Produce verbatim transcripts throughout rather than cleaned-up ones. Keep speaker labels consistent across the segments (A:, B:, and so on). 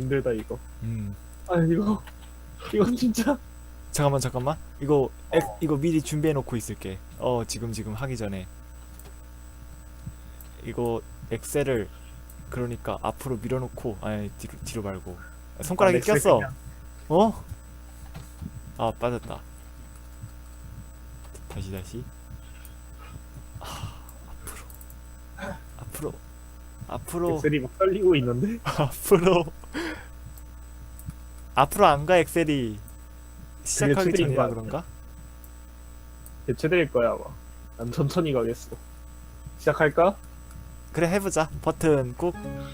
A: 힘들다 이거.
B: 음
A: 아 이거 이건 진짜.
B: 잠깐만 잠깐만 이거 엑,
A: 어.
B: 이거 미리 준비해 놓고 있을게. 어 지금 지금 하기 전에 이거 엑셀을 그러니까 앞으로 밀어놓고 아니 뒤로 뒤로 말고 손가락이
A: 아, 엑셀
B: 꼈어.
A: 그냥.
B: 어? 아 빠졌다. 다시 다시. 아, 앞으로 앞으로 앞으로
A: 엑셀이 막 떨리고 있는데.
B: 앞으로 앞으로 안 가 엑셀이. 시작하기
A: 추드린
B: 전이라
A: 거
B: 그런가?
A: 대체될 거야 아마. 난 천천히 가겠어. 시작할까?
B: 그래 해보자. 버튼 꾹.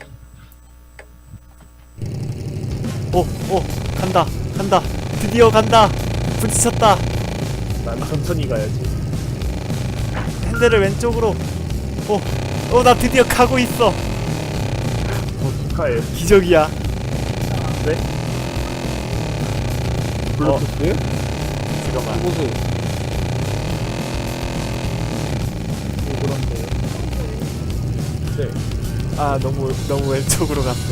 B: 오, 오, 간다, 간다. 드디어 간다. 부딪혔다.
A: 난 천천히 가야지.
B: 핸들을 왼쪽으로. 오, 오, 나 드디어 가고 있어.
A: 어, 축하해.
B: 기적이야.
A: 네? 블루투스?
B: 잠깐만.
A: 보수. 그런데요. 네.
B: 아, 너무 너무 왼쪽으로 갔어.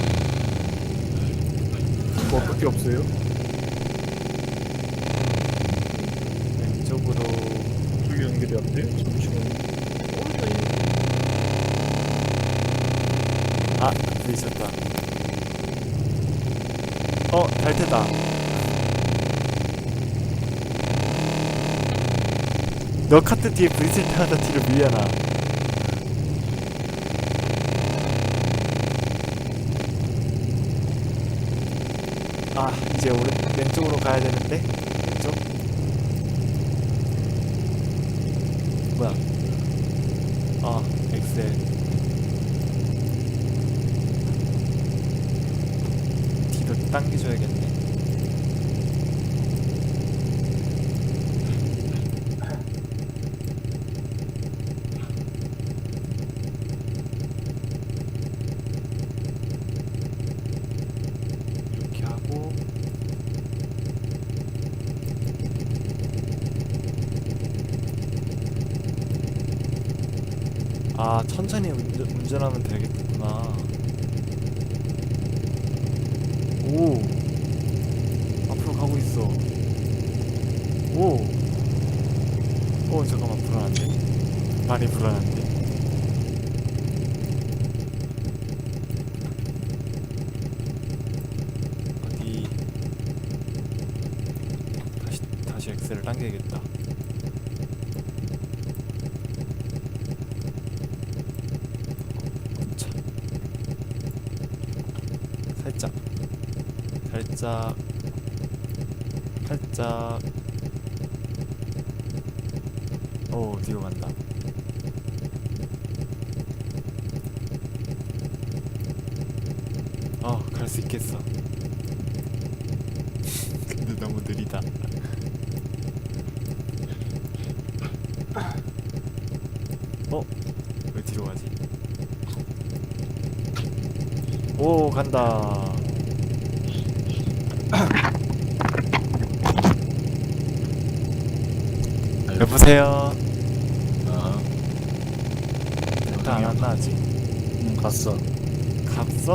A: 뭐 어떻게 없어요?
B: 왼쪽으로.
A: 저기 연결이 안 돼? 잠시만요.
B: 아, 부딪혔다. 어, 잘 테다. 너 카트 뒤에 부딪힐 때마다 뒤로 밀려나. 아, 이제 오른 왼쪽으로 가야 되는데. 왼쪽. 뭐야? 아, 엑셀. 뒤로 당겨줘야겠네. 이렇게 하고. 아, 천천히 운전, 운전하면 되겠구나. 오, 앞으로 가고 있어. 오, 오, 잠깐만, 불안한데? 많이 불안한데? 어디, 다시, 다시 엑셀을 당겨야겠다. 차. 살짝, 살짝, 살짝. 오, 뒤로 간다. 어, 갈 수 있겠어. 근데 너무 느리다. 어? 왜 뒤로 가지? 오, 간다. 여보세요?
C: 아,
B: 일단 안 왔나 아직?
C: 응, 갔어.
B: 갔어?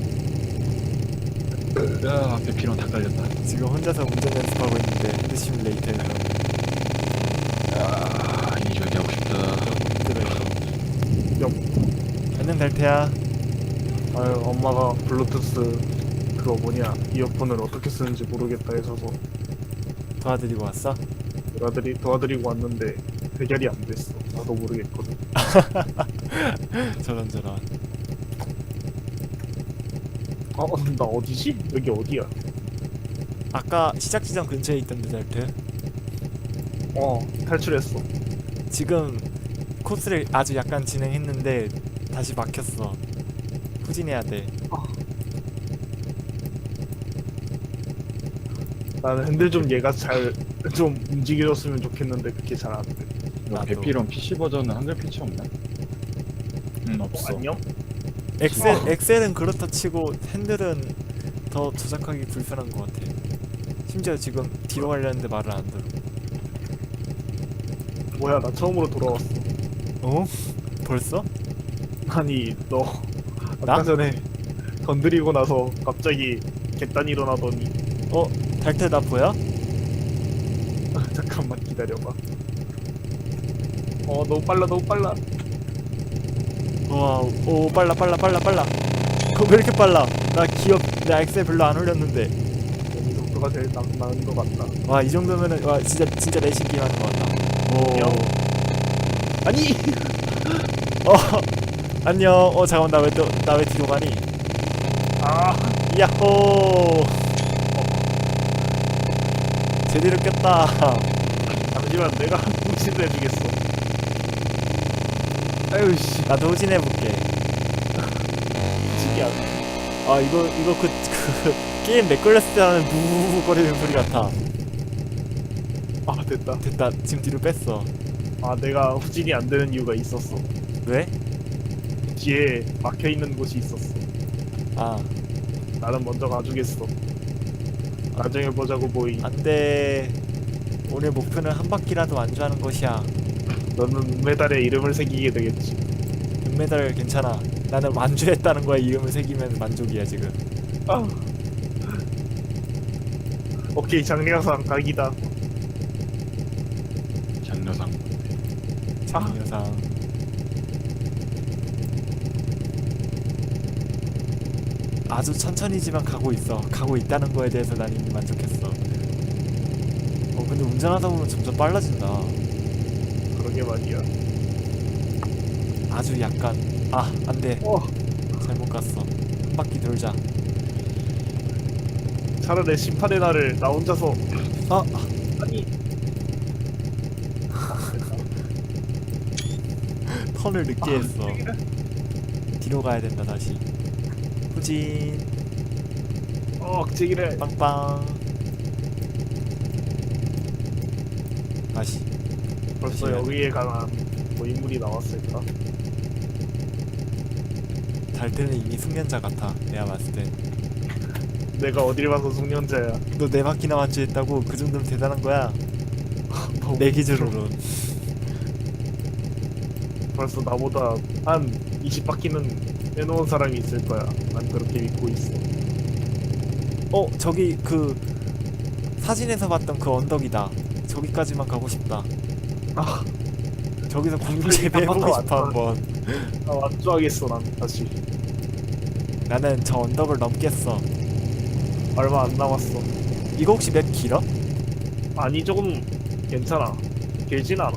C: 야, 앞에 비랑 다 깔렸다.
B: 지금 혼자서 운전 연습하고 있는데 핸드 시뮬레이터에서
C: 야, 이 저기 하고 싶다.
B: 너무 힘들어요. 안녕 달태야.
A: 아유 엄마가 블루투스 그거 뭐냐 이어폰을 어떻게 쓰는지 모르겠다 해서서
B: 도와드리고 왔어?
A: 도와드리, 도와드리고 왔는데 해결이 안 됐어. 나도 모르겠거든.
B: 저런 저런.
A: 어? 나 어디지? 여기 어디야?
B: 아까 시작 지점 근처에 있던데 달태.
A: 어 탈출했어.
B: 지금 코스를 아주 약간 진행했는데 다시 막혔어. 후진해야 돼.
A: 나는 핸들 좀 얘가 잘 좀 움직여줬으면 좋겠는데 그게 잘 안 돼.
C: 너
B: 나도.
C: 배피론 피씨 버전은 한글 피치 없나? 응,
A: 어,
C: 없어.
A: 안녕?
B: 엑셀 엑셀은 그렇다 치고 핸들은 더 조작하기 불편한 것 같아. 심지어 지금 뒤로 가려는데 말을 안 들어.
A: 뭐야 나 처음으로 돌아왔어.
B: 어? 벌써?
A: 아니 너
B: 나?
A: 아까 전에 건드리고 나서 갑자기 객단 일어나더니
B: 어? 달태 나 보여?
A: 잠깐만 기다려봐. 어 너무 빨라 너무 빨라.
B: 와, 오 빨라 빨라 빨라 빨라. 그거 왜 이렇게 빨라? 나 기업 내 엑셀 별로 안 올렸는데.
A: 이 속도가 제일 나, 나은 것 같다.
B: 와 이 정도면은 와 진짜 진짜 내신 게임 하는 것 같다. 오.
A: 영. 아니
B: 어 안녕. 어 잠깐만 나 왜 또 나 왜 뒤로 가니?
A: 아
B: 야호. 제대로 꼈다.
A: 잠시만 내가 묵신도 해주겠어. 아유 씨
B: 나도 후진해볼게.
A: 묵신이 안
B: 아 이거 이거 그, 그 게임 렉 걸렸을 때 하는 부부거리는 소리 같아.
A: 아 됐다.
B: 됐다. 지금 뒤로 뺐어.
A: 아 내가 후진이 안 되는 이유가 있었어.
B: 왜?
A: 뒤에 막혀 있는 곳이 있었어.
B: 아
A: 나는 먼저 가주겠어. 나중에 보자고 보이.
B: 안돼. 오늘 목표는 한 바퀴라도 완주하는 것이야.
A: 너는 은메달에 이름을 새기게 되겠지.
B: 은메달 괜찮아. 나는 완주했다는 거에 이름을 새기면 만족이야 지금.
A: 아. 오케이 장례상 각이다.
C: 장려상.
B: 장려상. 아주 천천히지만 가고 있어. 가고 있다는 거에 대해서 난 이미 만족했어. 어 근데 운전하다 보면 점점 빨라진다.
A: 그러게 말이야.
B: 아주 약간 아 안돼.
A: 어
B: 잘못 갔어. 한 바퀴 돌자.
A: 차라리 심판의 날을 나 혼자서
B: 아
A: 아니
B: 턴을 늦게
A: 아,
B: 했어. 뒤로 가야 된다 다시. 후진
A: 어 억제기를
B: 빵빵. 다시.
A: 벌써
B: 다시
A: 여기에 관한 뭐 인물이 나왔을까?
B: 달태는 이미 숙련자 같아. 내가 봤을 때.
A: 내가 어딜 봐서 숙련자야.
B: 너 네 바퀴나 완주했다고? 그 정도면 대단한 거야.
A: 너무
B: 내 기준으론.
A: 벌써 나보다 한 이십 바퀴는 해놓은 사람이 있을 거야. 난 그렇게 믿고 있어.
B: 어 저기 그 사진에서 봤던 그 언덕이다. 저기까지만 가고 싶다.
A: 아,
B: 저기서 공중 재배해보고
A: 한번
B: 싶어
A: 더
B: 한번.
A: 나 완주하겠어 난 다시.
B: 나는 저 언덕을 넘겠어.
A: 얼마 안 남았어.
B: 이거 혹시 맵 길어?
A: 아니 조금 괜찮아. 길진 않아.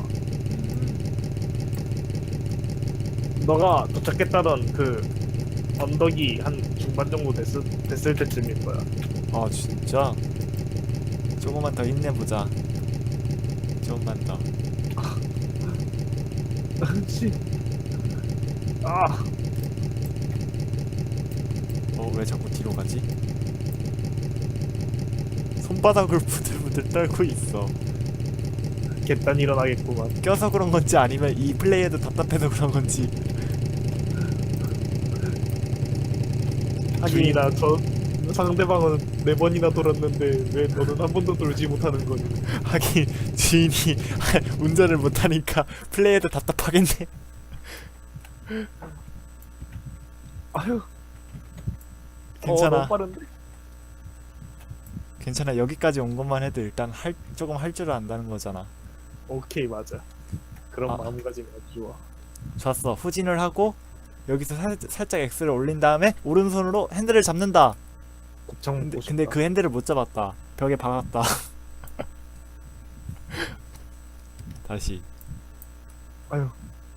B: 음.
A: 너가 도착했다던 그 언덕이 한 중반 정도 됐을, 됐을 때쯤일 거야.
B: 아 진짜? 조금만 더 힘내보자. 조금만 더.
A: 씨. 아,
B: 어 왜 자꾸 뒤로 가지? 손바닥을 부들부들 떨고 있어.
A: 객단 일어나겠구만.
B: 껴서 그런 건지 아니면 이 플레이어도 답답해서 그런 건지. 하긴
A: 주인아, 저 상대방은 네 번이나 돌았는데 왜 너는 한 번도 돌지 못하는 거니?
B: 하긴 주인이 운전을 못하니까 플레이어도 답답하겠네.
A: 아유,
B: 괜찮아.
A: 어, 너무 빠른데?
B: 괜찮아. 여기까지 온 것만 해도 일단 할 조금 할 줄을 안다는 거잖아.
A: 오케이, 맞아. 그런
B: 아.
A: 마음가짐이 아주 좋아.
B: 좋았어. 후진을 하고 여기서 살, 살짝 엑스를 올린 다음에 오른손으로 핸들을 잡는다.
A: 곱창
B: 근데,
A: 먹고
B: 근데
A: 싶다.
B: 그 핸들을 못 잡았다. 벽에 박았다. 다시.
A: 아유,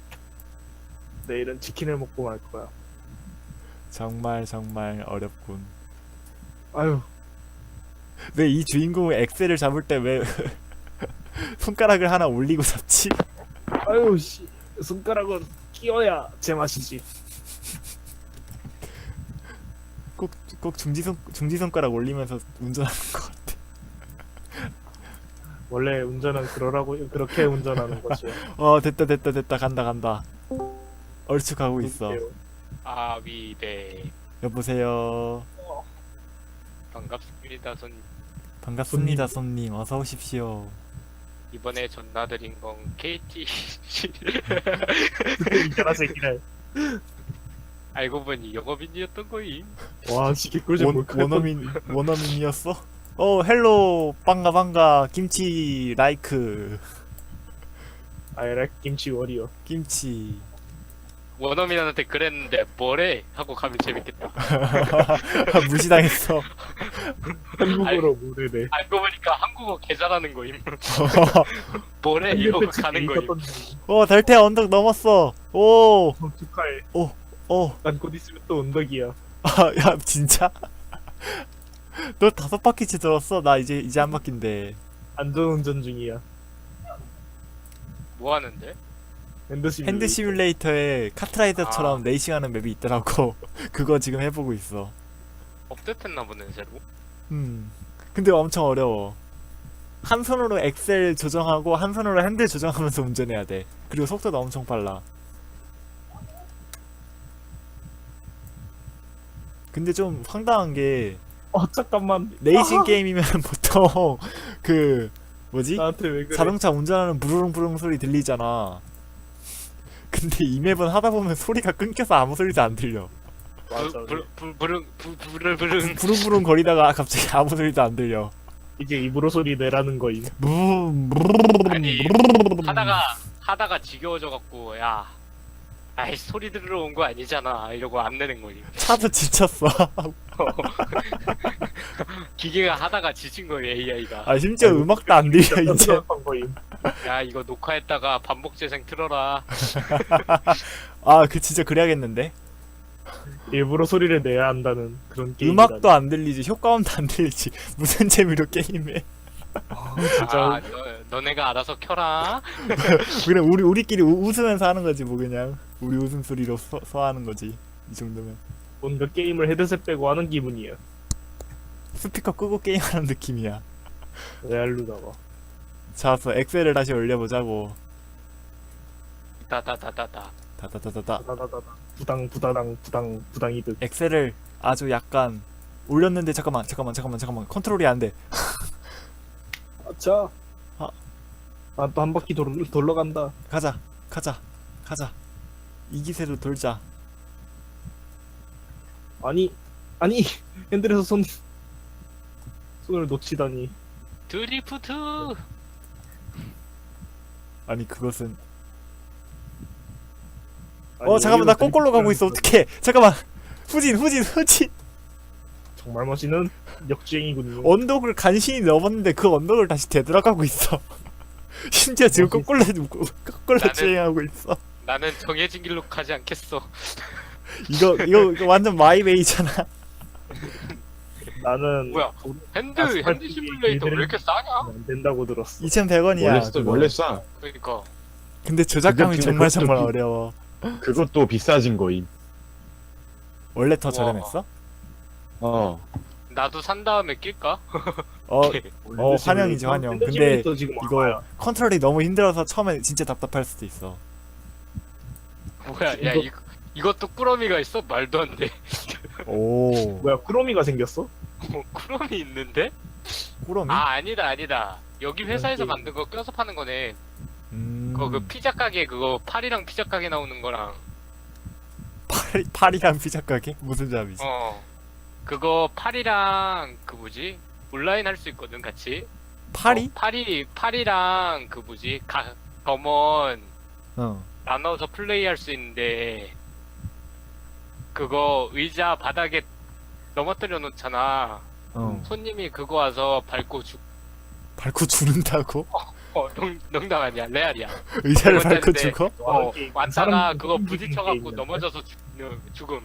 A: 내일은 치킨을 먹고 말 거야.
B: 정말 정말 어렵군.
A: 아유,
B: 왜 이 주인공은 엑셀을 잡을 때 왜 손가락을 하나 올리고 잡지?
A: 아유, 씨, 손가락은 끼워야 제맛이지.
B: 꼭, 꼭 중지손, 중지손가락 올리면서 운전하는 것 같아.
A: 원래 운전은 그러라고 그렇게 운전하는 것이야.
B: 어, 됐다, 됐다, 됐다. 간다, 간다. 얼추 가고 있어.
A: 누구세요?
D: 아위대
B: 여보세요.
D: 반갑습니다. 손
B: 반갑습니다, 손님. 어서 오십시오.
D: 이번에 전화드린 건 케이티
A: 이겨라 새끼를.
D: 알고 보니 영업인이었던 거임.
A: 와 이게 꿀잼
B: 원,
A: 뭘까?
B: 원어민 원어민이었어? 어 헬로 반가 반가 김치 라이크
A: I like 김치 워리어.
B: 김치
D: 원어민한테 그랬는데 뭐래? 하고 가면 재밌겠다.
B: 무시당했어.
A: 한국어로 모르네.
D: 알고 보니까 한국어 개 잘하는 거임. 뭐래? 이러고 가는 거임.
B: 오 달태 언덕 넘었어. 오,
A: 어, 축하해.
B: 오,
A: 난 곧 있으면 또 언덕이야.
B: 아, 야 진짜? 너 다섯 바퀴째 들었어? 나 이제 이제 한 바퀴인데.
A: 안전운전 중이야.
D: 뭐 하는데?
A: 핸드 시뮬.
B: 핸드 시뮬레이터에 카트라이더처럼
D: 아.
B: 레이싱하는 맵이 있더라고. 그거 지금 해보고 있어.
D: 업데이트했나 보네 새로.
B: 음. 근데 엄청 어려워. 한 손으로 엑셀 조정하고 한 손으로 핸들 조정하면서 운전해야 돼. 그리고 속도도 엄청 빨라. 근데 좀 황당한 게
A: 어 잠깐만.
B: 레이싱
A: 아,
B: 게임이면 보통 그 뭐지?
A: 나한테 왜 그래?
B: 자동차 운전하는 부르릉부릉 소리 들리잖아. 근데 이 맵은 하다 보면 소리가 끊겨서 아무 소리도 안 들려.
A: 맞아.
D: 불, 불, 불, 불, 불, 불,
B: 부릉부릉 거리다가 갑자기 아무 소리도 안 들려.
A: 이게 입으로 소리 내라는 거임.
B: 음,
D: 아니 하다가 하다가 지겨워져 갖고 야, 아이 소리 들으러 온 거 아니잖아 이러고 안 내는 거임.
B: 차도 지쳤어.
D: 기계가 하다가 지친 거예요 에이아이가.
B: 아 심지어 음악도 안 들려 이제.
A: 한 거임.
D: 야 이거 녹화했다가 반복 재생 틀어라.
B: 아 그 진짜 그래야겠는데.
A: 일부러 소리를 내야 한다는 그런 게임.
B: 음악도 안 들리지 효과음도 안 들리지 무슨 재미로 게임해.
A: 진짜.
D: 아 너, 너네가 알아서 켜라.
B: 그냥 우리 우리끼리 우, 웃으면서 하는 거지 뭐 그냥 우리 웃음소리로 서, 서하는 거지 이 정도면.
A: 뭔가 게임을 헤드셋 빼고 하는 기분이야.
B: 스피커 끄고 게임하는 느낌이야.
A: 레알루다가.
B: 자서 엑셀을 다시 올려보자고.
D: 다다다다다.
B: 다다다다다.
A: 다다다다. 부당 부다당 부당 부당이득.
B: 엑셀을 아주 약간 올렸는데 잠깐만 잠깐만 잠깐만 잠깐만 컨트롤이 안 돼.
A: 아차.
B: 아.
A: 아또 한 바퀴 돌 돌러 간다.
B: 가자 가자 가자 이 기세로 돌자.
A: 아니 아니 핸들에서 손 손을 놓치다니.
D: 드리프트.
B: 아니 그것은
A: 아니,
B: 어 잠깐만 나
A: 여기는
B: 거꾸로 가고 있어 어떡해. 잠깐만 후진 후진 후진.
A: 정말 멋있는 역주행이군요.
B: 언덕을 간신히 넘었는데 그 언덕을 다시 되돌아가고 있어. 심지어 지금
A: 멋있어.
B: 거꾸로 거꾸로
D: 나는-
B: 주행하고 있어.
D: 나는 정해진 길로 가지 않겠어.
B: 이거 이거 이거 완전 마이웨이잖아.
A: 나는
D: 뭐야? 핸드
A: 아스팔트
D: 핸드 시뮬레이터 왜 이렇게 싸냐?
A: 안 된다고 들었어.
B: 이천백 원이야.
C: 원래 싸 원래 싸.
D: 그러니까
B: 근데 저작감이
C: 근데
B: 정말
C: 그것도
B: 정말
C: 비-
B: 어려워.
C: 그것도 비싸진 거임.
B: 원래 더
D: 우와.
B: 저렴했어?
C: 어.
D: 나도 산 다음에 낄까?
B: 어, 어 환영이지 환영. 근데
A: 지금
B: 이거
A: 얼마야?
B: 컨트롤이 너무 힘들어서 처음에 진짜 답답할 수도 있어.
D: 뭐야? 야
A: 이거-
D: 이거 이것도 꾸러미가 있어? 말도 안 돼.
B: 오,
A: 뭐야 쿠로미가 생겼어?
D: 어, 꾸러미 있는데?
B: 꾸러미?
D: 아 아니다 아니다. 여기 회사에서
A: 게임.
D: 만든 거 껴서 파는 거네.
B: 음,
D: 그거 그 피자 가게 그거 파리랑 피자 가게 나오는 거랑
B: 파리, 파리랑 피자 가게? 무슨 잡이지?
D: 어 그거 파리랑 그 뭐지 온라인 할 수 있거든 같이.
B: 파리?
D: 어, 파리 파리랑 그 뭐지 가 검은
B: 어.
D: 나눠서 플레이할 수 있는데 그거 의자 바닥에 넘어뜨려 놓잖아.
B: 어.
D: 손님이 그거 와서 밟고 죽.
B: 밟고 죽는다고?
D: 어 농, 농담 아니야 레알이야.
B: 의자를
D: 그거
B: 밟고
D: 때문에-
B: 죽어?
D: 어
A: 게임.
D: 왔다가
A: 사람
D: 그거
A: 죽이는
D: 부딪혀갖고
A: 게임이야.
D: 넘어져서 죽, 어, 죽음.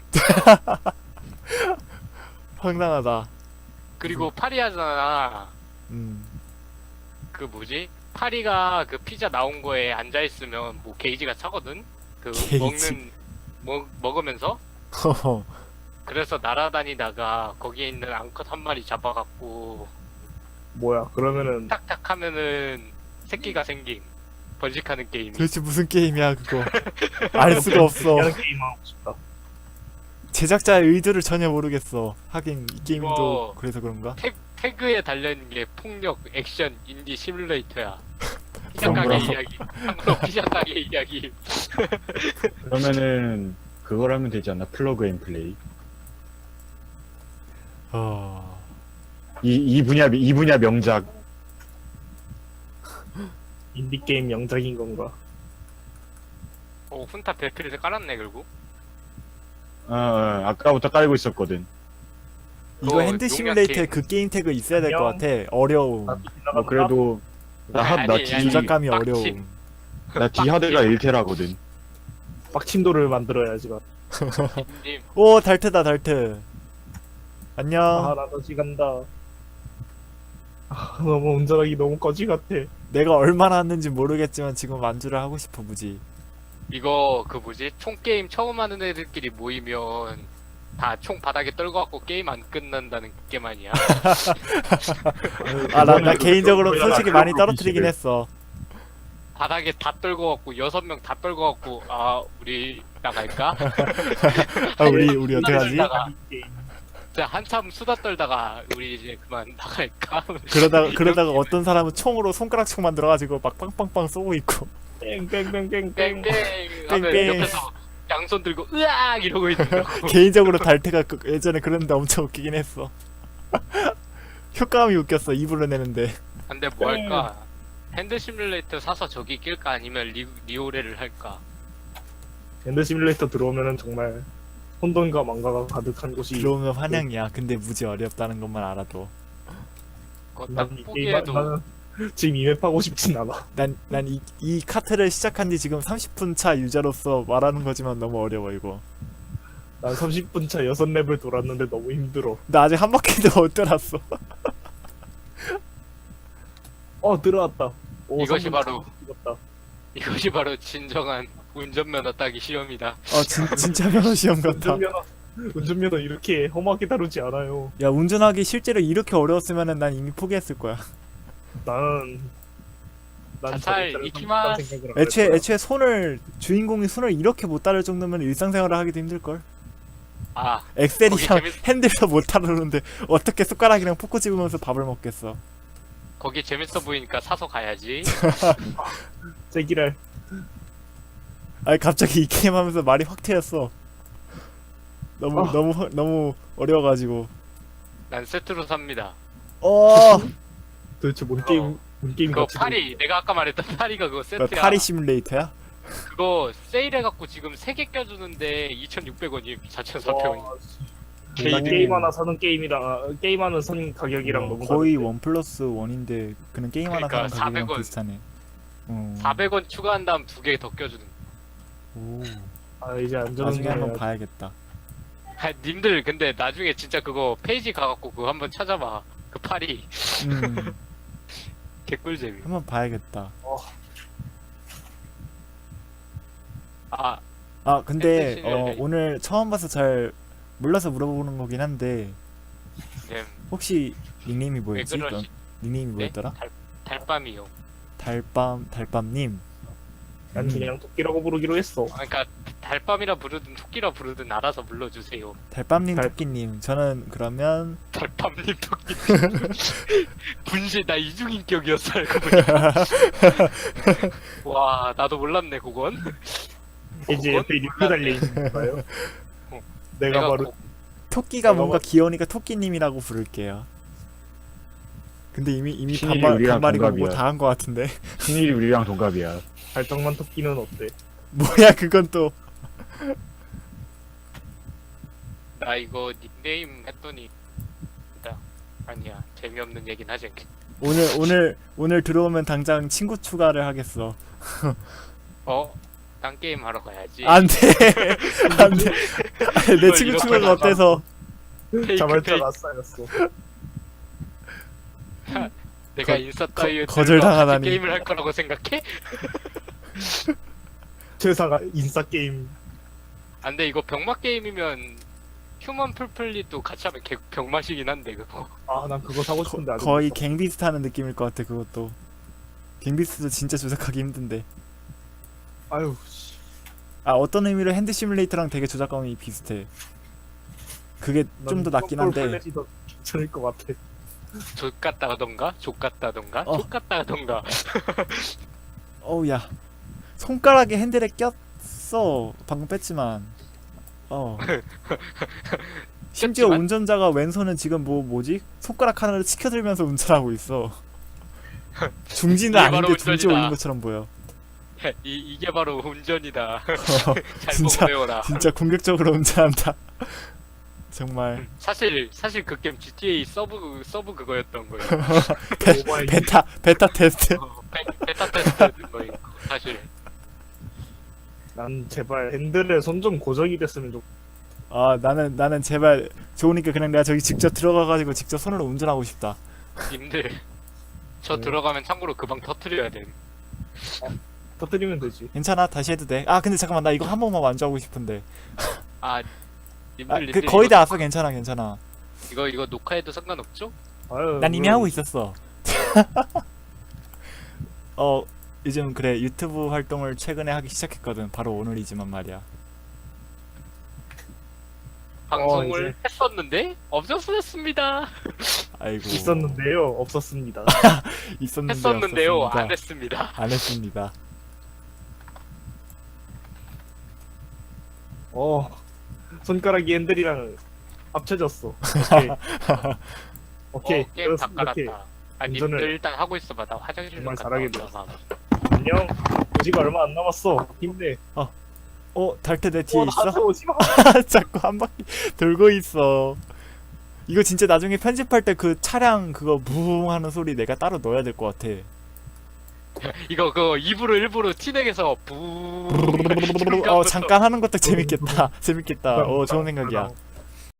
B: 황당하다.
D: 그리고 파리하잖아.
B: 음.
D: 그 뭐지? 파리가 그 피자 나온 거에 앉아 있으면 뭐 게이지가 차거든. 그
B: 게이지.
D: 먹는 먹 먹으면서.
B: 허허.
D: 그래서 날아다니다가 거기에 있는 앙컷 한 마리 잡아갖고
A: 뭐야 그러면은
D: 탁탁 하면은 새끼가 생김. 번식하는 게임이.
B: 도대체 무슨 게임이야 그거? 알 수가 없어.
A: 하는 게임 하고 싶다.
B: 제작자의 의도를 전혀 모르겠어. 하긴 이 게임도
D: 이거-
B: 그래서 그런가?
D: 태, 태그에 달려있는 게 폭력, 액션, 인디 시뮬레이터야. 피자
C: 그런
D: 가게
C: 거라.
D: 이야기. 한국 피자 가게 이야기.
C: 그러면은 그걸 하면 되지 않나? 플러그 앤 플레이.
B: 어...
C: 이, 이 분야, 이 분야 명작.
A: 인디게임 명작인 건가?
D: 오 훈타 배필을 깔았네 결국.
C: 어, 어, 아까부터 깔고 있었거든.
B: 이거
D: 어,
B: 핸드
D: 용약
B: 시뮬레이터에
D: 게임.
B: 그 게임 태그 있어야 될 것
A: 안녕.
B: 같아. 어려움.
C: 뭐 그래도 나, 하, 나,
D: 아니,
C: D,
D: 아니.
B: 조작감이
D: 빡침.
B: 어려움.
C: 나 D 하드가 일 테라거든.
A: 빡침도를 만들어야지가.
D: 님
B: 오 달트다 달트. 안녕.
A: 아, 나 다시 간다. 아, 너무 운전하기 너무 거지 같아.
B: 내가 얼마나 했는지 모르겠지만 지금 완주를 하고 싶어 무지.
D: 이거 그 뭐지 총 게임 처음 하는 애들끼리 모이면 다 총 바닥에 떨고 갖고 게임 안 끝난다는 게임 아니야?
B: 아 나 나
A: 그거는
B: 개인적으로
A: 그거
B: 솔직히
A: 그거
B: 많이
A: 그거
B: 떨어뜨리긴
A: 비식을.
B: 했어.
D: 바닥에 다 떨고 갖고 여섯 명 다 떨고 갖고 아 우리 나갈까?
B: 아 우리 우리 어떻게 하지?
D: 떨다가 진짜 한참 수다 떨다가 우리 이제 그만 나갈까?
B: 그러다가 그러다가 어떤 사람은 총으로 손가락총 만들어가지고 막 빵빵빵 쏘고 있고.
A: 땡땡땡땡땡.
D: 땡땡 하면
B: 땡땡.
D: 옆에서 양손 들고 으악 이러고 있는다고.
B: 개인적으로 달트가 그- 예전에 그랬는데 엄청 웃기긴 했어. 효과음이 웃겼어 입으로 내는데.
D: 근데 뭐 할까? 핸드 시뮬레이터 사서 저기 낄까 아니면 리, 리오레를 할까?
A: 엔더 시뮬레이터 들어오면은 정말 혼돈과 망가가 가득한 곳이.
B: 들어오면 환영이야. 근데 무지 어렵다는 것만 알아도.
D: 그거 딱
A: 난이 게임
D: 보기에도
A: 나는 지금 이맵 하고 싶진 않아.
B: 난 난 이 이 카트를 시작한 지 지금 삼십 분 차 유저로서 말하는 거지만 너무 어려워 이거.
A: 난 삼십 분 차 여섯 랩을 돌았는데 너무 힘들어.
B: 나 아직 한 바퀴도 못 돌았어.
A: 어 들어왔다. 오,
D: 이것이
A: 삼 분
D: 바로-
A: 찍었다.
D: 이것이 바로 진정한 운전면허 따기 시험이다.
B: 어 진, 진짜 면허 시험 같아.
A: 운전면허 운전면허 이렇게 험하게 다루지 않아요.
B: 야 운전하기 실제로 이렇게 어려웠으면은 난 이미 포기했을 거야.
A: 나는 난
D: 자살
A: 저것들을
D: 이키마스.
A: 삼십삼 생각을 안
B: 애초에
A: 했어요.
B: 애초에 손을 주인공이 손을 이렇게 못 다룰 정도면 일상생활을 하기도 힘들 걸.
D: 아
B: 엑셀이랑
D: 거기 재밌-
B: 핸들도 못 다루는데 어떻게 숟가락이랑 포크 집으면서 밥을 먹겠어.
D: 거기 재밌어 보이니까 사서 가야지.
A: 제기랄.
B: 아니 갑자기 이 게임 하면서 말이 확 트였어. 너무
A: 아.
B: 너무 허- 너무 어려워가지고.
D: 난 세트로 삽니다.
B: 어.
A: 도대체 뭔 게임 뭔 게임
D: 그거
A: 같이
D: 파리 내가 아까 말했던 파리가 그거
B: 그
D: 세트야.
B: 파리 시뮬레이터야?
D: 그거 세일해갖고 지금 세 개 껴주는데 이천육백 원이 사천사백 원.
A: 와, 씨.
D: 게임.
A: 난 게임 하나 사는 게임이랑 아, 게임 하나 선 가격이랑
B: 어,
A: 너무
B: 거의
A: 다른데.
B: 원 플러스 원인데 그냥 게임 하나
D: 그러니까
B: 사는 가격이랑
D: 사백 원.
B: 비슷하네. 어.
D: 사백 원 추가한 다음 두 개 더 껴주는.
B: 오.
A: 아 이제 안전한
B: 나중에 한번
A: 거야.
B: 봐야겠다.
D: 아, 님들 근데 나중에 진짜 그거 페이지 가갖고 그거 한번 찾아봐. 그 파리
B: 음.
D: 개꿀잼이.
B: 한번 봐야겠다.
D: 아
B: 아 근데
D: 핸드
B: 어,
D: 시뮬레이터.
B: 오늘 처음 봐서 잘 몰라서 물어보는 거긴 한데
D: 네.
B: 혹시 닉네임이
D: 왜
B: 뭐였지?
D: 그러시?
B: 넌 닉네임이
D: 네?
B: 뭐였더라?
D: 달, 달밤이요.
B: 달밤 달밤님.
A: 난
B: 음.
A: 그냥 토끼라고 부르기로 했어.
D: 아, 그러니까 달밤이라 부르든 토끼라 부르든 알아서 불러주세요.
B: 달밤님
A: 달-
B: 토끼님. 저는 그러면
D: 달밤님 토끼. 분실 나 이중인격이었어 알고 보니까. 와 나도 몰랐네 그건.
A: 이제
D: 그건
A: 옆에 리플
D: 몰랐네.
A: 달려 있는 건가요?
D: 어.
A: 내가 바로
D: 고-
B: 토끼가
A: 내가
B: 뭔가
A: 뭐-
B: 귀여우니까 토끼님이라고 부를게요. 근데 이미 이미
C: 신일이
B: 반말
C: 우리랑
B: 반말이고
C: 동갑이야.
B: 뭐 다 한 거 같은데.
C: 신일이 우리랑 동갑이야.
A: 발정만 토끼는 어때?
B: 뭐야 그건 또.
D: 나 이거 닉네임 했더니 나 아니야 재미없는 얘긴 하지 않게.
B: 오늘 오늘 오늘 들어오면 당장 친구 추가를 하겠어.
D: 어? 딴 게임 하러 가야지.
B: 안돼 안돼. 내
D: 이걸
B: 친구
D: 이렇게
B: 추가가
D: 나가.
B: 어때서?
D: 페이크
A: 자발자가
D: 페이크.
A: 쌓였어.
D: 내가
B: 거-
D: 인싸
B: 거-
D: 따위에
B: 거절당하다니.
D: 게임을 할 거라고 생각해?
A: 최사가 인싸 게임.
D: 안돼 이거 병맛 게임이면 휴먼 풀플릿도 같이 하면 개, 병맛이긴 한데 그거.
A: 아 난 그거 사고 싶은데 아직
B: 거의
A: 못 사.
B: 갱비스트 하는 느낌일 것 같아 그것도. 갱비스트도 진짜 조작하기 힘든데.
A: 아유 씨.
B: 아 어떤 의미로 핸드 시뮬레이터랑 되게 조작감이 비슷해. 그게 좀 더 낫긴 한데.
A: 플랫이 더 괜찮을 것 같아.
D: 족 같다던가 족 같다던가
B: 어.
D: 족 같다던가.
B: 어우 야 손가락에 핸들에 꼈어. 방금 뺐지만 어. 심지어
D: 그렇지만-
B: 운전자가 왼손은 지금 뭐 뭐지? 손가락 하나를 치켜들면서 운전하고 있어. 중지는
D: 이게 바로
B: 아닌데 중지
D: 운전이다.
B: 올린 것처럼 보여.
D: 이 이게 바로 운전이다. 잘
B: 진짜
D: 보고 배워라.
B: 진짜 공격적으로 운전한다. 정말
D: 사실 사실 그 게임 지티에이 서브 서브 그거였던 거예요.
A: 오바이.
B: 베타 베타 테스트.
D: 어, 베, 베타 테스트 거예요. 사실.
A: 난 제발 핸들에 손 좀 고정이 됐으면 좋.
B: 아 나는 나는 제발 좋으니까 그냥 내가 저기 직접 들어가가지고 직접 손으로 운전하고 싶다.
D: 님들 저
A: 네.
D: 들어가면 참고로 그 방 터트려야 돼.
A: 터뜨리면 되지.
B: 괜찮아 다시 해도 돼. 아 근데 잠깐만 나 이거 한 번만 완주하고 싶은데.
D: 아 님들
B: 아
D: 님들
B: 그 거의
D: 이거,
B: 다 왔어. 괜찮아 괜찮아.
D: 이거 이거 녹화해도 상관없죠?
A: 아유,
B: 난 이미
A: 그럼
B: 하고 있었어. 어 요즘 그래 유튜브 활동을 최근에 하기 시작했거든. 바로 오늘이지만 말이야.
D: 방송을
A: 이제.
D: 했었는데 없었습니다.
B: 아이고
A: 있었는데요, 없었습니다.
B: 있었는데
D: 했었는데요
B: 없었습니다.
D: 안 했습니다.
B: 안 했습니다.
A: 어, 손가락이 핸들이랑 합쳐졌어. 오케이. 오케이.
D: 어, 게임 다
A: 그렇습니다. 오케이.
D: 깔았다. 아
A: 운전을-
D: 님들 일단 하고 있어봐. 나 화장실 좀
A: 정말
D: 갔다
A: 잘하게
D: 올라와.
A: 안녕. 오지가 얼마 안 남았어. 힘내.
B: 어 달태 내 뒤에
A: 어,
B: 있어?
A: 나한테 오지 마.
B: 자꾸 한 바퀴 돌고 있어. 이거 진짜 나중에 편집할 때 그 차량 그거 부웅 하는 소리 내가 따로 넣어야 될 것 같아.
D: 이거 그거 입으로 일부러 티넥에서 부.
B: 어 잠깐 하는 것도 재밌겠다. 재밌겠다. 어 좋은 생각이야.